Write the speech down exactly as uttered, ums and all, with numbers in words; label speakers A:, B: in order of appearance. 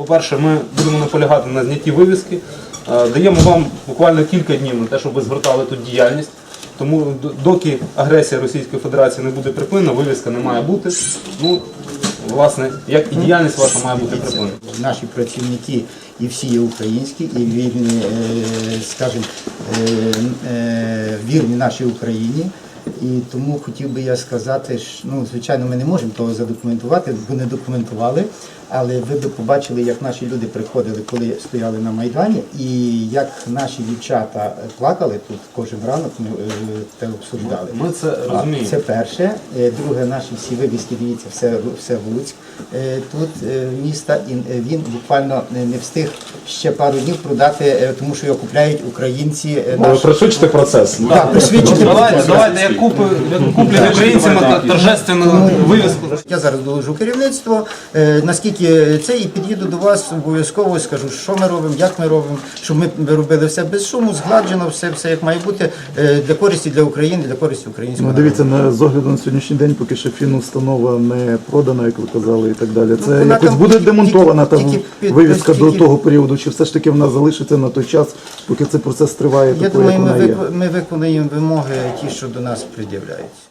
A: По-перше, ми будемо наполягати на знятті вивіски. Даємо вам буквально кілька днів на те, щоб ви звертали тут діяльність. Тому доки агресія Російської Федерації не буде припинена, вивіска не має бути. Ну, власне, як і діяльність ваша має бути припинена.
B: Наші працівники і всі є українські, і вірні, скажімо, вірні нашій Україні. І тому хотів би я сказати, що, ну, звичайно, ми не можемо того задокументувати, бо не документували, але ви б побачили, як наші люди приходили, коли стояли на Майдані, і як наші дівчата плакали тут кожен ранок, ми це обсуждали.
A: Ми це розуміємо.
B: Це перше. Друге, наші всі вивіски, дивіться, все, все Луцьк тут міста, і він буквально не встиг ще пару днів продати, тому що його купляють українці.
C: Наші. Пришвидшити процес.
B: Так, пришвидшити
A: процес. Давайте, як куплять українцями торжественну вивіску.
B: Я зараз доложу керівництво, наскільки це, і під'їду до вас обов'язково, скажу, що ми робимо, як ми робимо, щоб ми робили все без шуму, згладжено, все, все як має бути, для користі для України, для користі українського
C: Ну, дивіться, на, з огляду на сьогоднішній день, поки ще фінустанова не продана, як ви казали, і так далі. Це
B: ну,
C: якось буде
B: тільки,
C: демонтована та
B: тільки,
C: вивіска
B: тільки,
C: до того періоду, чи все ж таки вона залишиться на той час, поки цей процес триває,
B: я
C: такою,
B: думаю,
C: як
B: ми,
C: вона є?
B: вик, ми виконуємо вимоги, ті, що до нас пред'являють.